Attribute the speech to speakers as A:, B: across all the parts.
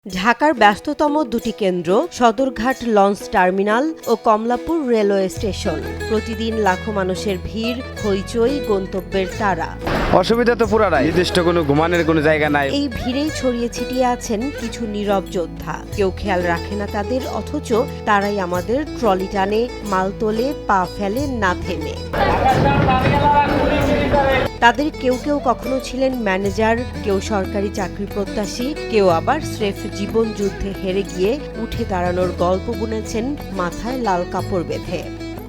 A: ঢাকার ব্যস্ততম দুটি কেন্দ্র সদরঘাট লঞ্চ টার্মিনাল ও কমলাপুর রেলওয়ে স্টেশন। প্রতিদিন লাখো মানুষের ভিড়, হইচই, গন্তব্যের তাড়া।
B: অসুবিধা তো পুরাটাই, নির্দিষ্ট কোনো ঘুমানোর কোনো জায়গা নাই।
A: এই ভিড়েই ছড়িয়ে ছিটিয়ে আছেন কিছু নীরব যোদ্ধা। কেউ খেয়াল রাখে না তাদের, অথচ তারাই আমাদের ট্রলি টানে, মাল তোলে, পা ফেলে না থেমে। তাদের কেউ কেউ কখনো ছিলেন ম্যানেজার, কেউ সরকারি চাকরি প্রত্যাশী, কেউ আবার স্রেফ জীবন যুদ্ধে হেরে গিয়ে উঠে দাঁড়ানোর গল্প বুনেছেন মাথায় লাল কাপড় বেঁধে।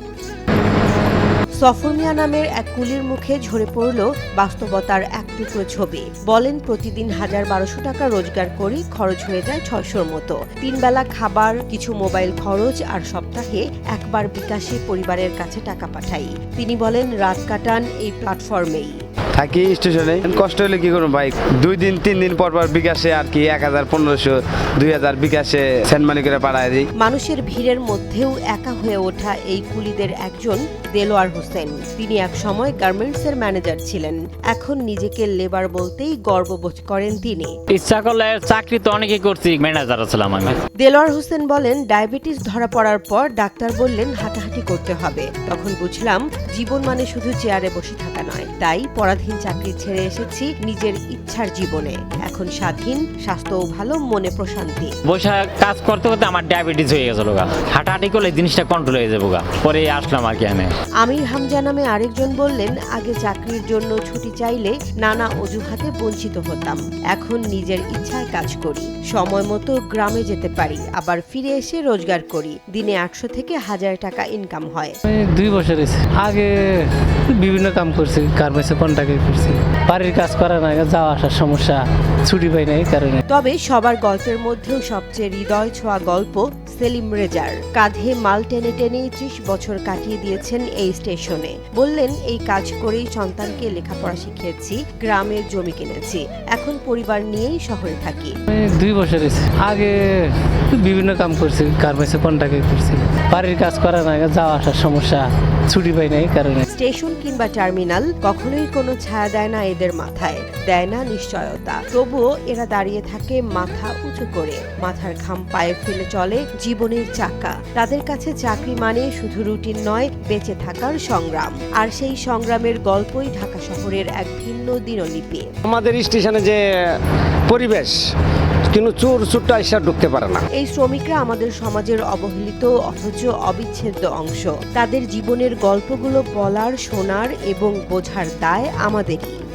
A: সফর মিয়া নামের এক কুলির মুখে ঝরে পড়ল বাস্তবতার এক টুকরো ছবি। বলেন, প্রতিদিন ১,১২০০ টাকা রোজগার করি, খরচ হয়ে যায় ৬০০-র মতো। ৩ বেলা খাবার, কিছু মোবাইল খরচ আর সপ্তাহে একবার বিকাশে পরিবারের কাছে টাকা পাঠাই। তিনি বলেন, রাত কাটান এই প্ল্যাটফর্মেই।
B: থাকি স্টেশনে, কষ্ট হলে কি করবো ভাই, 2 দিন 3 দিন পর বিকাশে আর কি ১,০০০, ১৫০০, ২,০০০ বিকাশে সেন্ড মানি করে পাঠায় দিই।
A: মানুষের ভিড়ের মধ্যেও একা হয়ে ওঠা এই কুলিদের একজন দেলোয়ার হোসেন। তিনি এক সময় গার্মেন্টসের ম্যানেজার ছিলেন, এখন নিজেকে লেবার বলতেই গর্ববোধ করেন তিনি।
C: ইচ্ছা করলে চাকরি তো অনেকেই করছি, ম্যানেজার ছিলাম আমি।
A: দেলোয়ার হোসেন বলেন, ডায়াবেটিস ধরা পড়ার পর ডাক্তার বললেন হাঁটাহাঁটি করতে হবে। তখন বুঝলাম জীবন মানে শুধু চেয়ারে বসে থাকা নয়। তাই পরাধীন চাকরি ছেড়ে এসেছি নিজের ইচ্ছার জীবনে। এখন স্বাধীন, স্বাস্থ্যও ভালো, মনে প্রশান্তি।
C: বসে কাজ করতে করতে আমার ডায়াবেটিস হয়ে গেছিল, হাঁটাহাঁটি করলে জিনিসটা কন্ট্রোল হয়ে যাবো, পরে আসলাম আর কি।
A: আমির হামজা নামে আরেকজন বললেন, আগে চাকরির জন্য ছুটি চাইলে নানা অজুহাতে বঞ্চিত হতাম। এখন নিজের ইচ্ছায় কাজ করি, সময় মতো গ্রামে যেতে পারি, আবার ফিরে এসে রোজগার করি। দিনে ৮০০ থেকে ১,০০০ টাকা ইনকাম হয়।
D: 2 বছর আগে বিভিন্ন কাম করছি, গার্মেন্টসে কন্ট্রাক্টে করছি। বাড়ির কাজ করা না, যাওয়া আসার সমস্যা, ছুটি পাই না এই কারণে।
A: তবে সবার গল্পের মধ্যেও সবচেয়ে হৃদয় ছোঁয়া গল্প সেলিম রেজার। কাঁধে মাল টেনে টেনে ৩০ বছর কাটিয়ে দিয়েছেন এই স্টেশনে। বললেন, এই কাজ করেই সন্তানকে লেখাপড়া শিখিয়েছি, গ্রামের জমি কিনেছি, এখন পরিবার নিয়েই শহরে থাকি।
D: 2 বছর আগে বিভিন্ন কাম করছি, গার্মেন্টসে কন্ট্রাক্টে করছি। বাড়ির কাজ করা না, যাওয়া আসার সমস্যা, ছুটি পাই না এই কারণে।
A: স্টেশন কিংবা টার্মিনাল কখনোই কোনো ছায়া দেয় না এদের মাথায়, দেয় না নিশ্চয়তা। তবুও এরা দাঁড়িয়ে থাকে মাথা উঁচু করে, মাথার ঘাম পায়ে ফেলে চলে জীবনের চাকা। তাদের কাছে চাকরি মানে শুধু রুটিন নয়, বেঁচে থাকার সংগ্রাম। আর সেই সংগ্রামের গল্পই ঢাকা শহরের এক ভিন্ন দিনলিপি।
B: আমাদের স্টেশনে যে পরিবেশ, কিন্তু চোরটা এসে ঢুকতে পারে না।
A: এই শ্রমিকরা আমাদের সমাজের অবহেলিত অথচ অবিচ্ছেদ্য অংশ। তাদের জীবনের গল্পগুলো বলার, শোনার এবং বোঝার দায় আমাদেরই।